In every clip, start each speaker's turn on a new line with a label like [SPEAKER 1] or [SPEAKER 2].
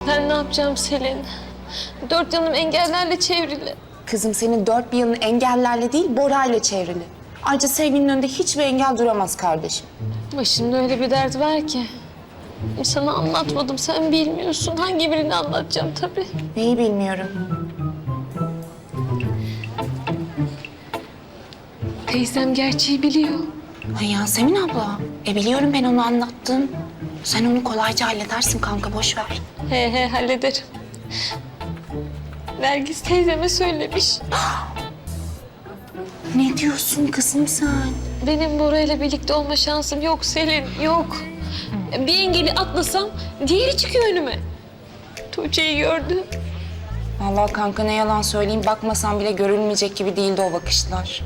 [SPEAKER 1] Ben ne yapacağım Selin? Dört yanım engellerle çevrili.
[SPEAKER 2] Kızım senin dört bir yanın engellerle değil, Bora'yla çevrili. Ayrıca sevginin önünde hiçbir engel duramaz kardeşim.
[SPEAKER 1] Başımda öyle bir dert var ki. Sana anlatmadım, sen bilmiyorsun. Hangi birini anlatacağım tabii.
[SPEAKER 2] Neyi bilmiyorum.
[SPEAKER 1] Teyzem gerçeği biliyor.
[SPEAKER 2] Ay Yasemin abla, biliyorum ben onu anlattım. Sen onu kolayca halledersin kanka, boş ver.
[SPEAKER 1] He hallederim. Nergis teyzeme söylemiş.
[SPEAKER 2] Ne diyorsun kızım sen?
[SPEAKER 1] Benim Bora'yla birlikte olma şansım yok Selin, yok. Bir engeli atlasam diğeri çıkıyor önüme. Tuğçe'yi gördü.
[SPEAKER 2] Vallahi kanka ne yalan söyleyeyim, bakmasam bile görülmeyecek gibi değildi o bakışlar.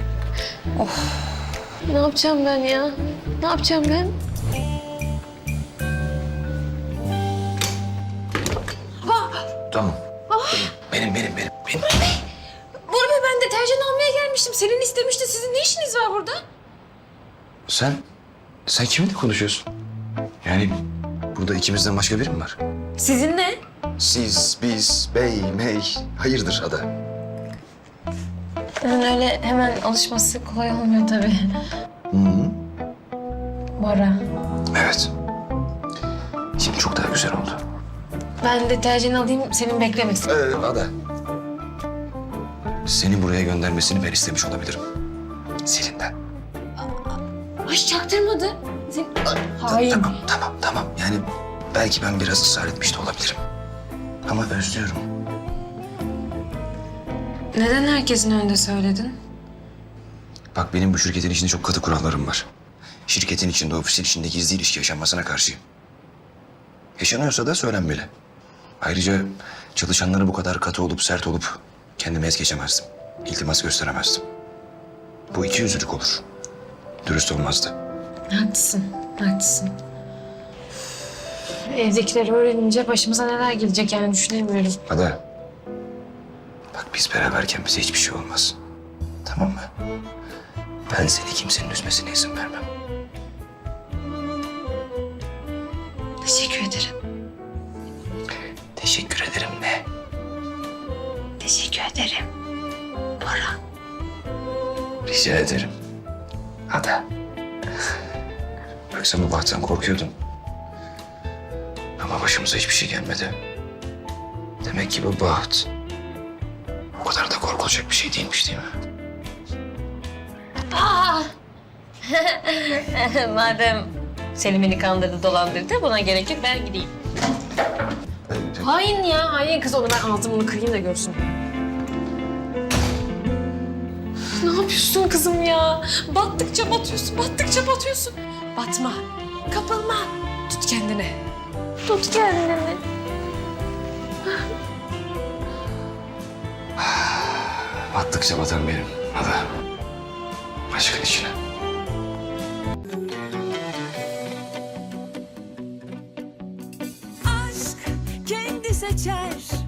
[SPEAKER 1] Ne yapacağım ben ya? Ne yapacağım ben?
[SPEAKER 3] Tamam. Benim.
[SPEAKER 1] Bora Bey, ben deterjan almaya gelmiştim. Selin istemişti. Sizin ne işiniz var burada?
[SPEAKER 3] Sen kiminle konuşuyorsun? Yani burada ikimizden başka biri mi var?
[SPEAKER 1] Sizin ne?
[SPEAKER 3] Siz, biz, bey, mey, hayırdır Ada?
[SPEAKER 1] Yani öyle hemen alışması kolay olmuyor tabii. Bora.
[SPEAKER 3] Evet. Şimdi çok daha güzel oldu.
[SPEAKER 1] Ben deterjan alayım, senin beklemesin.
[SPEAKER 3] Ada. Seni buraya göndermesini ben istemiş olabilirim. Selin'den.
[SPEAKER 1] Ay çaktırmadı. Hayır.
[SPEAKER 3] Tamam. Yani belki ben biraz ısrar etmiş de olabilirim. Ama özlüyorum.
[SPEAKER 1] Neden herkesin önünde söyledin?
[SPEAKER 3] Bak benim bu şirketin içinde çok katı kurallarım var. Şirketin içinde, ofisin içinde gizli ilişki yaşanmasına karşıyım. Yaşanıyorsa da söylenmeli. Ayrıca çalışanlara bu kadar katı olup sert olup kendimi es geçemezdim. İltimas gösteremezdim. Bu ikiyüzlülük olur. Dürüst olmazdı.
[SPEAKER 1] Haklısın. Evdekileri öğrenince başımıza neler gelecek yani düşünemiyorum.
[SPEAKER 3] Ada. Bak biz beraberken bize hiçbir şey olmaz. Tamam mı? Ben seni kimsenin üzmesine izin vermem.
[SPEAKER 1] Teşekkür ederim.
[SPEAKER 3] Teşekkür ederim ne?
[SPEAKER 1] Teşekkür ederim. Bora.
[SPEAKER 3] Rica ederim. Ada. Yoksa bu bahttan korkuyordum. Ama başımıza hiçbir şey gelmedi. Demek ki bu baht o kadar da korkulacak bir şey değilmiş değil mi?
[SPEAKER 1] Madem Selim beni kandırdı, dolandırdı, buna gerek yok, ben gideyim. Hain ya, hain kız, onu ben ağzımını kırayım da görsün. Ne yapıyorsun kızım ya? Battıkça batıyorsun. Batma, kapılma. Tut kendini.
[SPEAKER 3] Battıkça batan benim. Ada. Aşkın içine.
[SPEAKER 4] Aşk kendi seçer